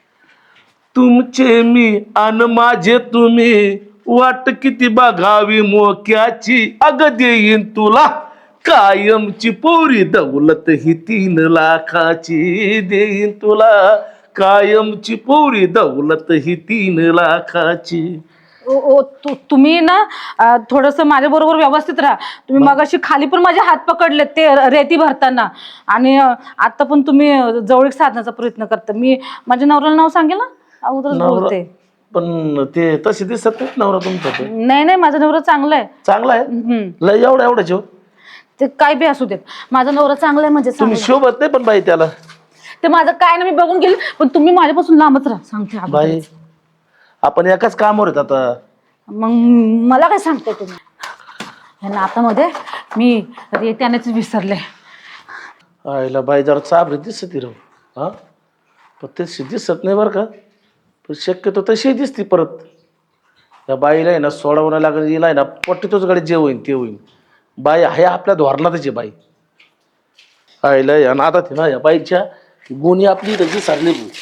[SPEAKER 6] तुमचे मी अन माझे तुम्ही वाट किती बघावी मोक्याची अग देईन तुला कायमची पोरी दौलत ही तीन लाखाची देईन तुला कायमची पोरी दौलत ही तीन लाखाची.
[SPEAKER 2] ओ ओ तु- तुम्ही ना अं, थोडंसं माझ्या बरोबर व्यवस्थित राहा. तुम्ही मगाशी खाली पण माझे हात पकडले ते रेती भरताना आणि अं, आता पण तुम्ही अं, जवळीक साधण्याचा प्रयत्न करता. मी माझ्या नवऱ्याला नाव सांगेल ना अगोदरच
[SPEAKER 6] नवरा-
[SPEAKER 2] बोलते.
[SPEAKER 6] पण ते तसे दिसत नाहीत नवरा तुमचा तो
[SPEAKER 2] नाही नाही माझा नवरा चांगला आहे.
[SPEAKER 6] चांगला आहे
[SPEAKER 2] हम्म.
[SPEAKER 6] लय एवढा एवढा जेव
[SPEAKER 2] ते काय बी असू देत माझा नवरा चांगला आहे म्हणजे
[SPEAKER 6] तुम्ही
[SPEAKER 2] चांगला आहे.
[SPEAKER 6] शोभत नाही पण बाई त्याला
[SPEAKER 2] ते माझं काय ना मी बघून गेले पण तुम्ही माझ्यापासून लांबच राहा सांगते
[SPEAKER 6] बाई
[SPEAKER 2] अगोदरच.
[SPEAKER 6] आपण एकाच कामावर आहेत आता.
[SPEAKER 2] मग मला काय सांगताय तुम्ही या नातामध्ये मी रेत्यानेच विसरले.
[SPEAKER 6] आईला बाई जरा चाबरी दिसत राहू हा पण तशी दिसत नाही बरं का पण शक्यतो तशी दिसती परत. या बाईला आहे ना सोडावं नाही लागत हिला आहे ना पट्टीतोच गाडी जे होईन ते होईन. बाई आहे आपल्या धोरणातच आहे बाई. आईला या नादात आहे ना या बाईच्या गुन्हे आपली तशी सारली भाऊ.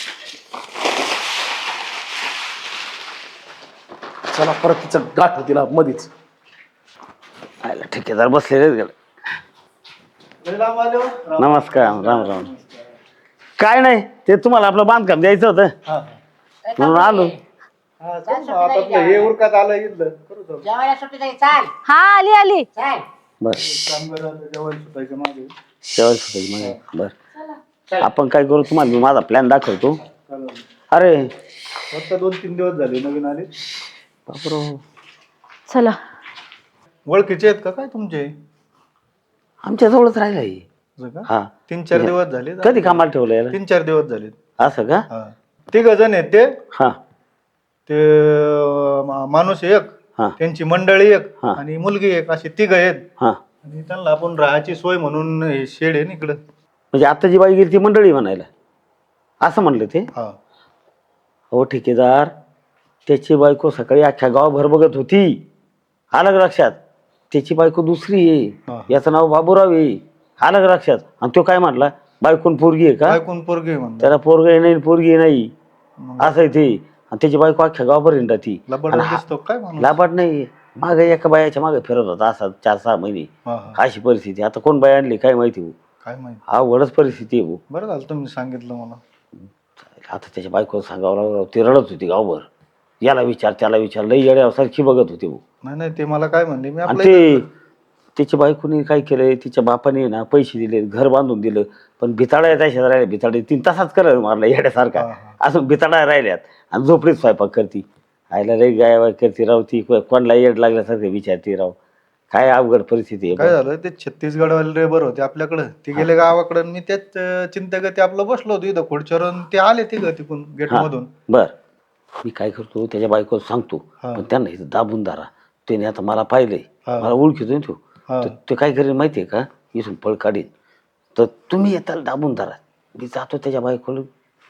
[SPEAKER 6] चला परत तिचं गाठ तिला मधीच.
[SPEAKER 7] आयला ठेकेदार बसलेलेच गेले. नमस्कार राम राम. काय नाही ते तुम्हाला आपलं बांधकाम द्यायचं होतं म्हणून आलो.
[SPEAKER 5] आता हे उरकात आलं इथलं करू जाऊ.
[SPEAKER 1] जेवायला सुट्टी नाही चाल
[SPEAKER 2] हा आली आली.
[SPEAKER 1] चाल
[SPEAKER 7] बस
[SPEAKER 5] कामगारांचं जेवण सुटायचं मागे
[SPEAKER 7] शेवट सुटायची मग बर आपण काय करू तुम्हाला मी माझा प्लॅन दाखवतो. अरे
[SPEAKER 5] फक्त दोन तीन दिवस झाले नवीन आले.
[SPEAKER 7] बापरो
[SPEAKER 2] चला
[SPEAKER 5] ओळखीचे आहेत का काय तुमचे?
[SPEAKER 7] आमच्या जवळच राहिला ही.
[SPEAKER 5] असं का?
[SPEAKER 7] हा
[SPEAKER 5] तीन चार दिवस झाले.
[SPEAKER 7] कधी कामाला ठेवलं याला
[SPEAKER 5] तीन चार दिवस झाले.
[SPEAKER 7] असं का
[SPEAKER 5] हा तिघ जण आहेत ते
[SPEAKER 7] हा
[SPEAKER 5] ते मा- माणूस एक
[SPEAKER 7] हा
[SPEAKER 5] त्यांची मंडळी एक
[SPEAKER 7] हा.
[SPEAKER 5] आणि मुलगी एक अशी तिघ आहेत
[SPEAKER 7] हा
[SPEAKER 5] आणि त्यांना आपण राहायची सोय म्हणून हे शेड आहे ना इकडं.
[SPEAKER 7] म्हणजे आता जी बाई गेली ती मंडळी म्हणायला असं म्हणलं ते.
[SPEAKER 5] हा
[SPEAKER 7] हो ठेकेदार त्याची बायको सकाळी अख्ख्या गावभर बघत होती. आलं का लक्षात. त्याची बायको दुसरी
[SPEAKER 5] हा.
[SPEAKER 7] आहे याचं नाव बाबूराव आहे. आलं का लक्षात. आणि तो काय म्हटला बायकोन पोरगी आहे का
[SPEAKER 5] ऐकून पोरगे म्हणतात
[SPEAKER 7] त्याला पोरगी नाही पोरगी नाही असं आहे ते. आणि त्याची बायको अख्ख्या गावभर हिंडा ती
[SPEAKER 5] लबाड दिसतो काय माणूस.
[SPEAKER 7] लाभाट नाही मागे एका बायाच्या मागे फिरत होता असा चार सहा महिने.
[SPEAKER 5] हा, हा.
[SPEAKER 7] अशी परिस्थिती आता कोण बाई आणली काय माहिती हो.
[SPEAKER 5] काय माहिती.
[SPEAKER 7] अवघडच परिस्थिती आहे भाऊ.
[SPEAKER 5] बरं झालं तुम्ही सांगितलं मला.
[SPEAKER 7] आता त्याच्या बायको सांगावं लागलं ती रडत होती गावभर. याला विचार त्याला विचार लई येड्यासारखी बघत होती भाऊ.
[SPEAKER 5] नाही नाही ते मला काय म्हणले मी
[SPEAKER 7] आणि
[SPEAKER 5] आपलं
[SPEAKER 7] ते त्याच्या बायकोने काय केलंय तिच्या बापाने ना पैसे दिले घर बांधून दिलं पण भिताडा त्याच्यात राहिल्या भिताडे तीन तासाच करत मारला येड्यासारखा
[SPEAKER 5] हा,
[SPEAKER 7] अजून भिताडा राहिल्यात आणि झोपडीत स्वयंपाक करती. आयला रे गाय वाय करती राव ती कोणाला येड लागल्यासारखं विचारती राव. काय अवघड परिस्थिती
[SPEAKER 5] काय
[SPEAKER 7] आहे.
[SPEAKER 5] झालं ते छत्तीसगड वाले रेबर होते आपल्याकडं ते गेले गावाकडं आणि मी त्याच अं, चिंतागती आपलं बसलो होतो इथं खुर्चीवर आणि ते आले तिघं तिकून गेट
[SPEAKER 7] हा
[SPEAKER 5] मधून.
[SPEAKER 7] बर मी काय करतो त्याच्या बायकोला सांगतो
[SPEAKER 5] हा.
[SPEAKER 7] पण त्यांना इथं दाबून दारा. त्याने आता मला पाहिलंय
[SPEAKER 5] हा.
[SPEAKER 7] मला ओळखीतो ना तो.
[SPEAKER 5] हा.
[SPEAKER 7] तर ते काय करेल माहितीये का इथून पळ काढीन तर तुम्ही येताल दाबून धरा, मी जातो त्याच्या बायकोला.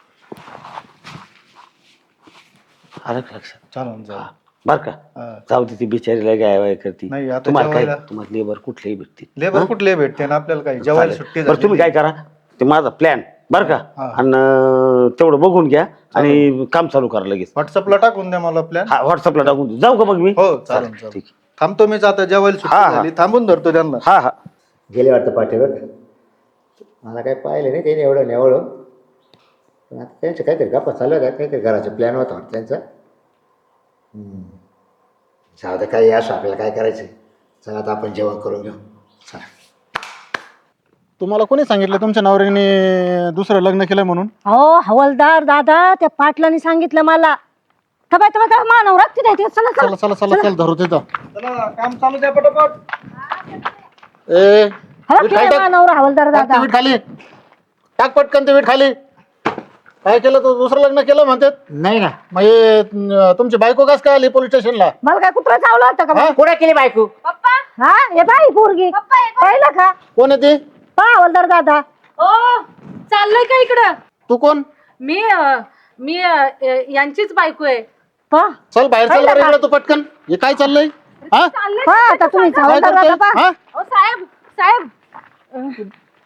[SPEAKER 7] आलं का लक्षात?
[SPEAKER 5] चालेल जाऊ.
[SPEAKER 7] बर का?
[SPEAKER 5] हा.
[SPEAKER 7] जाऊ दे, ती बिचारीला गाय वाय करती.
[SPEAKER 5] नाही, आता
[SPEAKER 7] तुम्हाला काय
[SPEAKER 5] जेवायला-
[SPEAKER 7] तुम्हाला लेबर कुठलेही भेटतील.
[SPEAKER 5] लेबर कुठले भेटते ना आपल्याला काही जेवायला सुट्टी
[SPEAKER 7] बरं तुम्ही काय करा, ते माझा प्लॅन बर का,
[SPEAKER 5] हा.
[SPEAKER 7] आणि तेवढं बघून घ्या आणि काम चालू करा लगेच.
[SPEAKER 5] व्हॉट्सअपला टाकून द्या मला प्लॅन.
[SPEAKER 7] हा व्हॉट्सअपला टाकून देऊ. जाऊ का मग मी?
[SPEAKER 5] हो चालेल
[SPEAKER 7] चालेल,
[SPEAKER 5] चालेल.
[SPEAKER 7] ठीक आहे.
[SPEAKER 5] थांबतो मीच आता, जेवायला सुट्टी
[SPEAKER 7] हा, हा.
[SPEAKER 5] झाली, थांबून धरतो त्यांना.
[SPEAKER 7] हा हा
[SPEAKER 8] गेले वाटतं पाठीवर. मला काही पाहिलं नाही त्याने एवढं नेवळं, पण आता त्यांचं काहीतरी गप्पा चालू होत्या, काहीतरी घराचा प्लॅन होता वाटतं त्यांचा. हम्म. जाऊ दे, काही असं आपल्याला काय करायचं. चला आता आपण जेवण करून घेऊ. चला.
[SPEAKER 5] तुम्हाला कोणी सांगितलं तुमच्या नवऱ्याने दुसरं लग्न केलं म्हणून?
[SPEAKER 4] हो हवलदार दादा, त्या पाटलांनी सांगितलं मला. तबाय तबाय तबाय मानव राखते नाही ते. चला
[SPEAKER 5] चला
[SPEAKER 4] चला
[SPEAKER 5] चला चला चल धरू तिथं. चला काम चालू द्या पटापट. ए
[SPEAKER 4] हवा
[SPEAKER 5] वीट
[SPEAKER 4] केलं
[SPEAKER 5] खाली टाक.
[SPEAKER 4] मानव हवलदार
[SPEAKER 5] टाक ते
[SPEAKER 4] दादा.
[SPEAKER 5] वीट खाली टाक, पटकन ते वीट खाली. काय केलं तू? दुसरं लग्न केलं म्हणतात.
[SPEAKER 1] नाही ना.
[SPEAKER 5] मग हे, अं, तुमची बायको कस काय आली पोलीस स्टेशनला?
[SPEAKER 4] मला काय कुत्रा चावला होता का मग?
[SPEAKER 1] कुठे केली बायको?
[SPEAKER 4] हा हे बाई पोरगी पाहिलं का?
[SPEAKER 5] कोण आहे ती?
[SPEAKER 4] पहा हवलदार दादा.
[SPEAKER 2] ओ चाललंय का इकडं?
[SPEAKER 5] तू कोण?
[SPEAKER 2] मी अं, मी अं, यांचीच बायको आहे.
[SPEAKER 4] पहा
[SPEAKER 5] चल बाहेर, चल बरं इकडं तू पटकन. हे काय चाललंय? हा
[SPEAKER 4] पहा आता तुम्ही
[SPEAKER 5] काय
[SPEAKER 4] हवलदार दादा
[SPEAKER 5] करतोय?
[SPEAKER 4] पहा.
[SPEAKER 5] हा?
[SPEAKER 2] ओ साहेब साहेब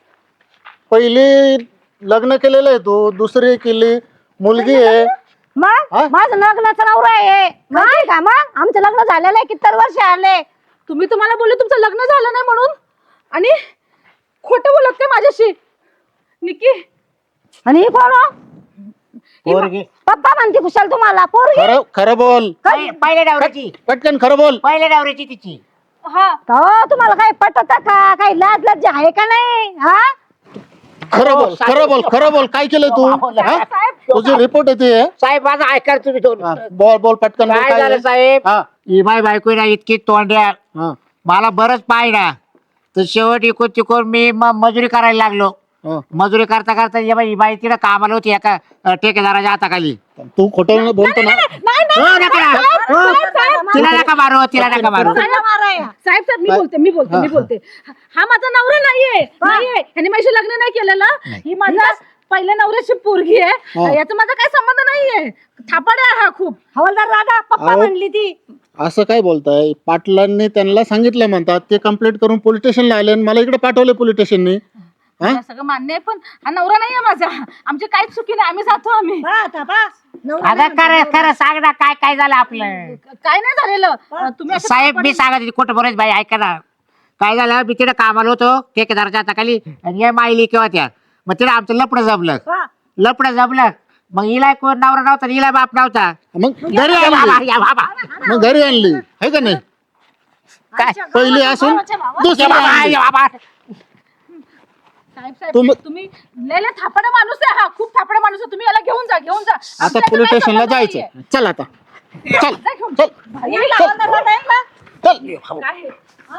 [SPEAKER 5] पहिली लग्न केलेलं आहे तू, दुसरी केली, मुलगी आहे.
[SPEAKER 4] मग
[SPEAKER 5] हा?
[SPEAKER 4] माझं लग्नाचं नवरा आहे माहिती का? मग आमचं लग्न झालेलं आहे, किती वर्ष आले.
[SPEAKER 2] तुम्ही तुम्हाला बोलले तुमचं लग्न झालं नाही म्हणून, आणि खोटं बोलत काय माझ्याशी? निकी
[SPEAKER 4] आणि ही कोण हो?
[SPEAKER 1] पोरगी.
[SPEAKER 4] पप्पा म्हणते कुशाल तुम्हाला पोरगी.
[SPEAKER 5] खरं खरं बोल,
[SPEAKER 1] पहि- पहिल्या डावऱ्याची.
[SPEAKER 5] पटकन खरं बोल.
[SPEAKER 1] पहिल्या डावऱ्याची तिची.
[SPEAKER 2] हा
[SPEAKER 4] हो तुम्हाला काय पटत का? काही लाज लज्जा आहे का नाही? हा
[SPEAKER 5] खरं बोल, खरं बोल, खरं बोल. काय केलं तू? हा? तुझी रिपोर्ट येते.
[SPEAKER 1] साहेब माझा ऐका तुम्ही दोन.
[SPEAKER 5] हा, बोल बोल पटकन बोल,
[SPEAKER 1] काय
[SPEAKER 5] काय
[SPEAKER 1] झालं
[SPEAKER 5] आहे?
[SPEAKER 1] साहेब?
[SPEAKER 5] हा,
[SPEAKER 1] ही बाय बायको ना इतकी तोंड्या,
[SPEAKER 5] हा,
[SPEAKER 1] मला बरंच पाय ना, तर शेवट इकून तिकून मी म- मजुरी करायला लागलो.
[SPEAKER 5] हा.
[SPEAKER 1] मजुरी करता करता ही बाई ही बाई तिला कामाला होती एका अ, ठेकेदाराच्या हाताखाली.
[SPEAKER 5] तू खोटं बोलतो ना.
[SPEAKER 1] हो, नका. हो, तिला नका मारू, तिला नका मारू.
[SPEAKER 2] साहेब साहेब मी बोलते मी बोलते मी बोलते हा माझा नवरा नाहीये नाहीये ह्याने माझी लग्न नाही केलेलं. ही माझा पहिल्या नवऱ्याची पोरगी आहे. याचा माझा काही संबंध नाहीये. थापाड आहे हा खूप.
[SPEAKER 4] हवलदार दादा पप्पा
[SPEAKER 5] अहो.
[SPEAKER 4] म्हणली ती.
[SPEAKER 5] असं काय बोलताय? पाटलांनी त्यांना सांगितलं म्हणतात, ते कंप्लेंट करून पोलीस स्टेशनला आले आणि मला इकडे पाठवले पोलीस स्टेशननी.
[SPEAKER 2] मला सगळं मान्य आहे, पण हा नवरा नाहीये माझा. आमची काहीच चुकी नाही, आम्ही जातो आम्ही.
[SPEAKER 4] पहा आता पहा. नवरा
[SPEAKER 1] अगं खरं खरं सांग ना, काय काय झालं आपलं?
[SPEAKER 2] काय नाही झालेलं. तुम्ही असं
[SPEAKER 1] साहेब मी सांगत होते, खोटं बोलायचं बाई, ऐका ना. काय झालं, मी तिथे कामाला होतो ठेकेदाराच्या हाताखाली, आणि या माईली किंवा त्या, मग तिला आमचं लपडं जमलं.
[SPEAKER 4] पहा.
[SPEAKER 1] लपडं जमलं, मग हिला कोण नवरा नव्हता, हिला बाप नव्हता.
[SPEAKER 5] मग घरी
[SPEAKER 1] या बाबा,
[SPEAKER 5] आणली,
[SPEAKER 1] या बाबा.
[SPEAKER 5] मग घरी आणली आहे का नाही?
[SPEAKER 1] काय
[SPEAKER 5] पहिली असून
[SPEAKER 1] या
[SPEAKER 5] दुसरी
[SPEAKER 1] बाबा,
[SPEAKER 5] आणली.
[SPEAKER 1] या बाबा.
[SPEAKER 2] साहेब साहेब
[SPEAKER 5] तुम-
[SPEAKER 2] तुम्ही लय लय थापाडा माणूस आहे हा, खूप थापाडा माणूस आहे. तुम्ही याला घेऊन जा घेऊन जा.
[SPEAKER 5] आता
[SPEAKER 2] आमच्या
[SPEAKER 5] पोलीस
[SPEAKER 2] काही
[SPEAKER 5] स्टेशनला
[SPEAKER 2] संबंध
[SPEAKER 5] जायचं.
[SPEAKER 2] नाहीये.
[SPEAKER 5] चल आता, चल
[SPEAKER 2] जा घेऊन.
[SPEAKER 5] चल
[SPEAKER 2] यायला हवलदार दादा यायला.
[SPEAKER 5] चल.
[SPEAKER 2] काय आहे?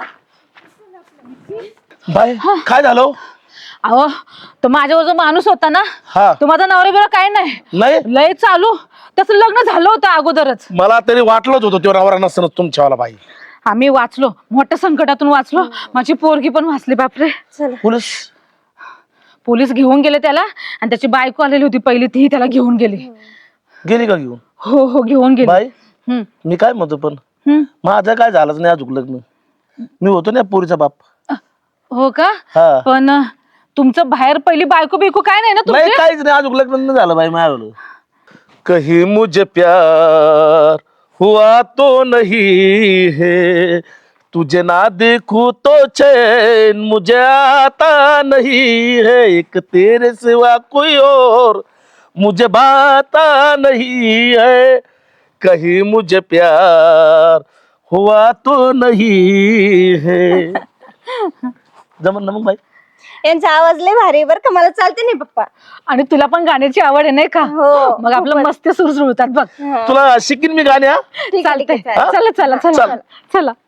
[SPEAKER 6] बाय काय झालं?
[SPEAKER 2] अहो तो माझ्यावर जो माणूस होता ना,
[SPEAKER 6] हा
[SPEAKER 2] तो माझा नवरा बिरा काय नाही,
[SPEAKER 6] नाही,
[SPEAKER 2] लय चालू. त्याचं लग्न झालं होतं अगोदरच.
[SPEAKER 6] मला तरी वाटलंच होतं तो नवरा नसतं तुमच्यावाला बाई.
[SPEAKER 2] आम्ही वाचलो, मोठ्या संकटातून वाचलो. माझी पोरगी पण वाचली. बापरे,
[SPEAKER 6] पोलीस
[SPEAKER 2] पोलीस घेऊन गेले त्याला, आणि त्याची बायको आलेली होती पहिली, ती त्याला घेऊन गेली.
[SPEAKER 6] गेली का घेऊन?
[SPEAKER 2] हो हो घेऊन गेली.
[SPEAKER 6] बाई
[SPEAKER 2] हम्म,
[SPEAKER 6] मी काय म्हणतो, पण
[SPEAKER 2] हम्म.
[SPEAKER 6] माझं काय झालंच नाही अजून लग्न. मी होतो ना पोरीचा बाप.
[SPEAKER 2] हो का?
[SPEAKER 6] हा
[SPEAKER 2] पण अं, तुमचं बाहेर पहिली बायको बिको काय नाही ना
[SPEAKER 6] नाही,
[SPEAKER 2] तुमची?
[SPEAKER 6] काहीच नाही अजून लग्न नाही झालं बाई माझ्यावर. कहीं मुझे प्यार हुआ तो नहीं है, तुझे ना देखूं तो चैन मुझे आता नहीं है, एक तेरे सिवा कोई और मुझे भाता नहीं है, कहीं मुझे प्यार हुआ तो नहीं है. जमन ना मग बाई?
[SPEAKER 3] यांचा आवाज लय भारी आहे बरं का, मला चालते नाही पप्पा.
[SPEAKER 2] आणि तुला पण गाण्याची आवड आहे नाही का?
[SPEAKER 3] हो,
[SPEAKER 2] मग आपलं मस्त सुरसुरतात बघ.
[SPEAKER 6] तुला शिकीन मी गाण्या.
[SPEAKER 3] ठीक आहे, ठीक
[SPEAKER 2] चालतंय.
[SPEAKER 3] आहे, चालेल.
[SPEAKER 2] चला चला चला चला.